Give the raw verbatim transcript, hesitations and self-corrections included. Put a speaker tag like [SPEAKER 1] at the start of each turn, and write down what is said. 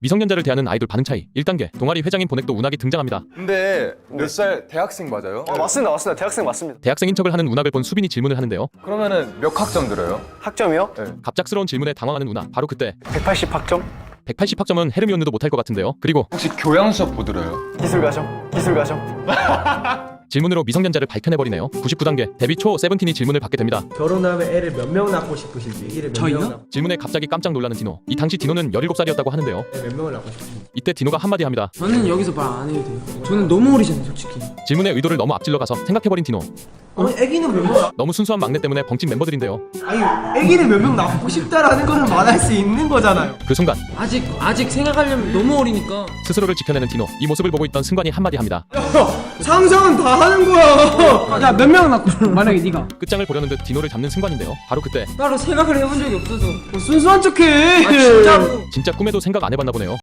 [SPEAKER 1] 미성년자를 대하는 아이돌 반응 차이 일 단계 동아리 회장인 보넥도 운학이 등장합니다.
[SPEAKER 2] 근데 몇 살 대학생 맞아요?
[SPEAKER 3] 어, 맞습니다, 맞습니다. 대학생 맞습니다.
[SPEAKER 1] 대학생인 척을 하는 운학을 본 수빈이 질문을 하는데요.
[SPEAKER 2] 그러면은 몇 학점 들어요?
[SPEAKER 3] 학점이요?
[SPEAKER 2] 네.
[SPEAKER 1] 갑작스러운 질문에 당황하는 운학. 바로 그때
[SPEAKER 3] 백팔십 학점?
[SPEAKER 1] 백팔십 학점은 헤르미온느도 못할 것 같은데요. 그리고
[SPEAKER 2] 혹시 교양 수업 뭐 들어요?
[SPEAKER 3] 기술 과정, 기술 과정.
[SPEAKER 1] 질문으로 미성년자를 밝혀내버리네요. 구십구 단계 데뷔 초 세븐틴이 질문을 받게 됩니다.
[SPEAKER 4] 결혼하면 애를 몇 명 낳고 싶으신지 애를 몇
[SPEAKER 5] 저희요?
[SPEAKER 4] 명 낳고
[SPEAKER 1] 질문에 갑자기 깜짝 놀라는 디노. 이 당시 디노는 열일곱 살이었다고 하는데요.
[SPEAKER 4] 애 몇 명을 낳고 싶으신지.
[SPEAKER 1] 이때 디노가 한마디 합니다.
[SPEAKER 5] 저는 여기서 말 안 해도 돼요. 저는 너무 어리잖아요, 솔직히.
[SPEAKER 1] 질문의 의도를 너무 앞질러 가서 생각해버린 디노.
[SPEAKER 4] 아니 애기는 몇 명? 낳-
[SPEAKER 1] 너무 순수한 막내 때문에 벙친 멤버들인데요.
[SPEAKER 4] 아니 애기를 몇 명 낳고 싶다라는 거는 말할 수 있는 거잖아요.
[SPEAKER 1] 그 순간
[SPEAKER 5] 아직 아직 생각하려면 너무 어리니까.
[SPEAKER 1] 스스로를 지켜내는 디노. 이 모습을 보고 있던 승관이 한마디 합니다.
[SPEAKER 4] 상상은 다 하는 거야.
[SPEAKER 5] 야, 몇 명 낳고 싶어? 만약에 네가
[SPEAKER 1] 끝장을 보려는 듯 디노를 잡는 승관인데요. 바로 그때
[SPEAKER 5] 따로 생각을 해본 적이 없어서.
[SPEAKER 4] 뭐 순수한 척해.
[SPEAKER 5] 아 진짜로.
[SPEAKER 1] 진짜 꿈에도 생각 안 해봤나 보네요.